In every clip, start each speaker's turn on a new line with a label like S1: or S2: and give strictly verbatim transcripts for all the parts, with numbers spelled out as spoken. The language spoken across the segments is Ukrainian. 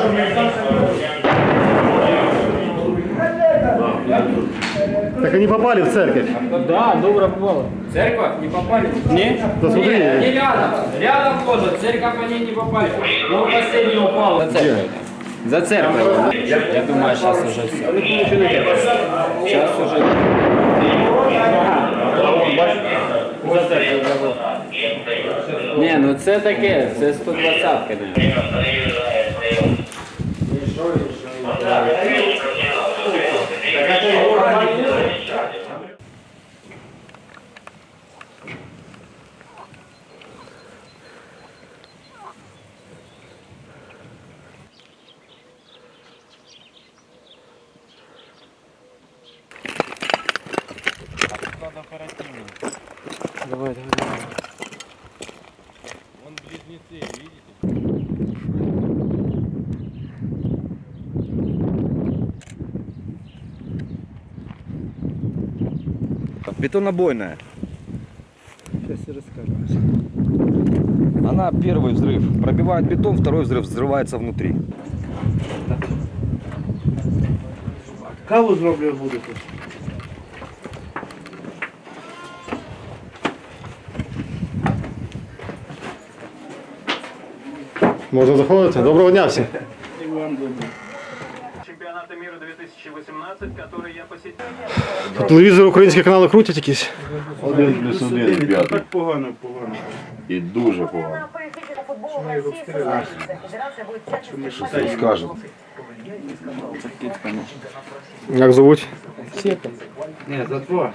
S1: Так они попали в церковь.
S2: Да, добро попало. Церковь не попали? Не?
S1: Да смотри.
S2: Не, не рядом. Рядом тоже. Церковь они не попали. Он последний упал. За церковь. За церковь. Я думаю, сейчас уже все. Сейчас уже. Не, ну це таке, це сто двадцятка, не. Давай, давай, давай. Вон близнецы, видите?
S3: Бетонобойная.
S1: Сейчас я расскажу.
S3: Она первый взрыв пробивает бетон, второй взрыв взрывается внутри.
S1: Каву зроблю будете? Можна заходити? Доброго дня всім.
S4: Чемпионата мира две тысячи восемнадцать, который я посетил.
S1: По телевізору українські канали крутять якісь.
S5: Один плюс один п'ятий.
S4: Так погано, погано.
S5: І дуже погано.
S6: Федерация
S5: Скажемо.
S1: Як звуть?
S4: Нет, за два.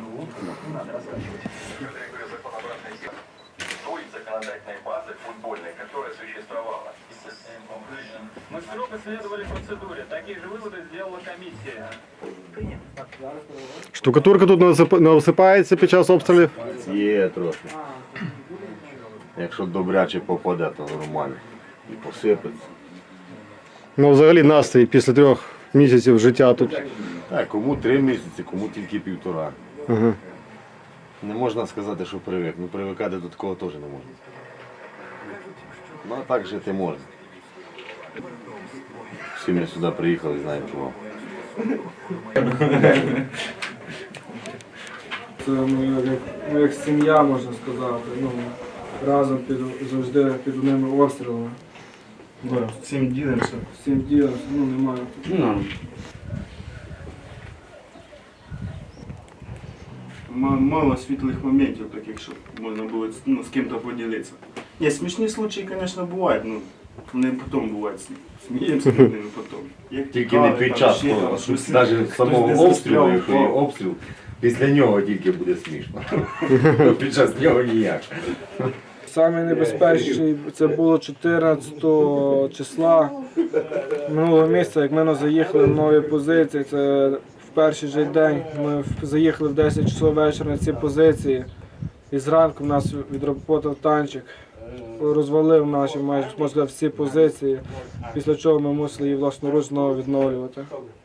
S6: той законодательной базы футбольной, которая существовала.
S4: Мы строго следовали процедуре. Такие же выводы сделала комиссия.
S1: Штукатурка тут не осип- не осипається під час обстрілів.
S5: Є трохи. Якщо добряче попаде, то нормально. І посипеться.
S1: Ну взагалі настрій після трьох місяців життя тут.
S5: Так, кому три місяці, кому тільки півтора.
S1: Ага.
S5: Не можна сказати, що привик. Ну привикати до такого теж не можна. Ну а так жити можна. Всі ми сюди приїхали, знаємо чого.
S7: Це ми як, ми як сім'я, можна сказати. Ну, разом під, завжди під одними обстрілами.
S4: Да, всем ділимося.
S7: Всім ділом, ну немає.
S4: М- Мало світлих моментів таких, щоб можна було ну, з ким-то поділитися. Є смішні случаї, звісно, бувають, ну вони потім бувають. Сміємося над ними потім. Як
S5: Тільки не
S4: тікали,
S5: під
S4: там,
S5: час,
S4: ще там, щось-
S5: навіть
S4: хтось
S5: самого
S4: десь
S5: обстрілу,
S4: застряв,
S5: якщо є
S4: впав.
S5: обстріл, після нього тільки буде смішно. Під час нього ніяк.
S7: Саме небезпечніше це було чотирнадцятого числа минулого місяця, як ми заїхали в нові позиції. Це в перший же день ми в- заїхали в десять часов вечора на ці позиції. І зранку в нас відработав танчик, розвалив наші майже можна сказати, всі позиції, після чого ми мусили її власноруч знову відновлювати.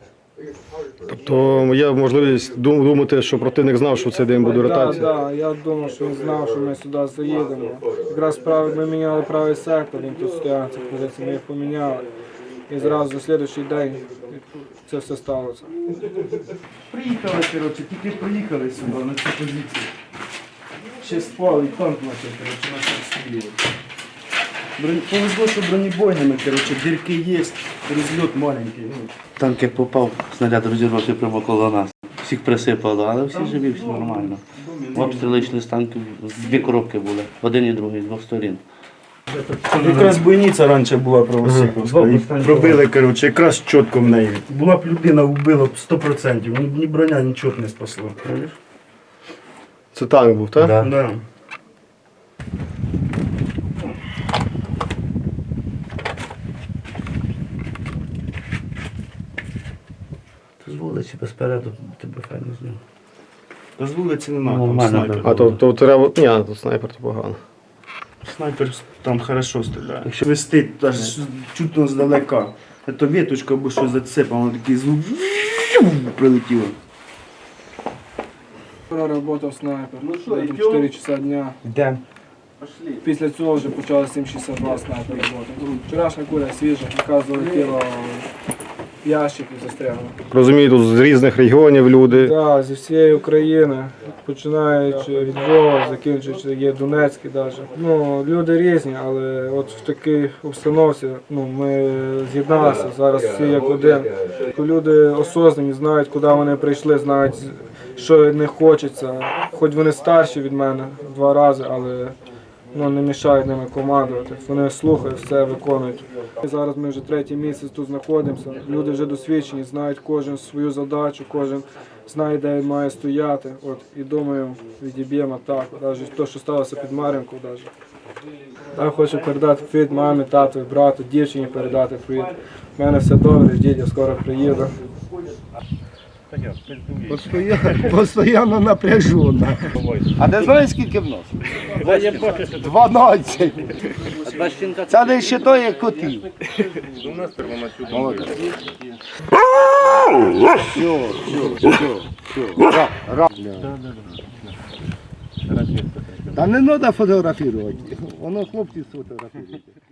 S1: Тобто є можливість дум- думати, що противник знав, що в цей день буде
S7: Так,
S1: ротація.
S7: да, я думав, що він знав, що ми сюди заїдемо. Якраз правий, ми міняли правий сектор, він тут стояв на цих позиціях, ми їх поміняли. І зразу за слідуючий день це все сталося.
S4: Приїхали, коротше, тільки приїхали сюди, на цю позицію. Ще спали, і танк почав, коротше, на всіх стрілювати. Броні... Повезло, що бронебойними, коротше, дірки є, розльот маленький. Ну.
S8: Танк як попав, снаряд розірвався прямо коло нас. Всіх присипало, але всі живі, всі нормально. Обстріли йшли з танків, дві коробки були, один і другий, з двох сторін.
S4: Якраз бойниця раніше була правосіковська, і пробили, коротше, якраз чітко в неї. Була б людина, вбила б сто відсотків, ні, ні броня, нічого не спасло.
S1: Це танк був, так?
S8: Да.
S4: Да.
S8: З вулиці безпереду тебе файно зняв.
S4: Та з вулиці нема, там
S8: Нормально,
S4: снайпер.
S1: А то, то треба. Ні, тут снайпер то погано.
S4: Снайпер там хорошо стріляє. Якщо вистить, аж чутно здалека. Це віточка або щось зацепало, такий звук прилетіло.
S7: Вчора працював снайпер, чотири часа дня.
S8: Де?
S7: Після цього вже почали сім шістдесят два снайпер роботи. Вчорашня куля свіжа, яка залетіла в ящик і застрягла.
S1: Розумію, тут з різних регіонів люди.
S7: Так, зі всієї України, починаючи від Львова, закінчуючи є Донецький навіть. Ну, люди різні, але от в такій обстановці ну, ми з'єдналися зараз всі як один. Люди осознані, знають, куди вони прийшли, знають, що не хочеться. Хоч вони старші від мене в два рази, але ну, не мішають ними командувати. Вони слухають, все виконують. Зараз ми вже третій місяць тут знаходимося. Люди вже досвідчені, знають кожен свою задачу, кожен знає, де він має стояти. От, і думаю, відіб'ємо так. Навіть те, що сталося під Мар'їнкою. Я хочу передати привіт мамі, тату, брату, дівчині передати привіт. У мене все добре, ждіть, я скоро приїду.
S9: Постоянно напряжена. А ти знаєш, скільки в нас? дванадцять. Це не ще то, як котів. Молодець. Все, все, все, все. Та не треба фотографувати. Воно хлопці сфотографують.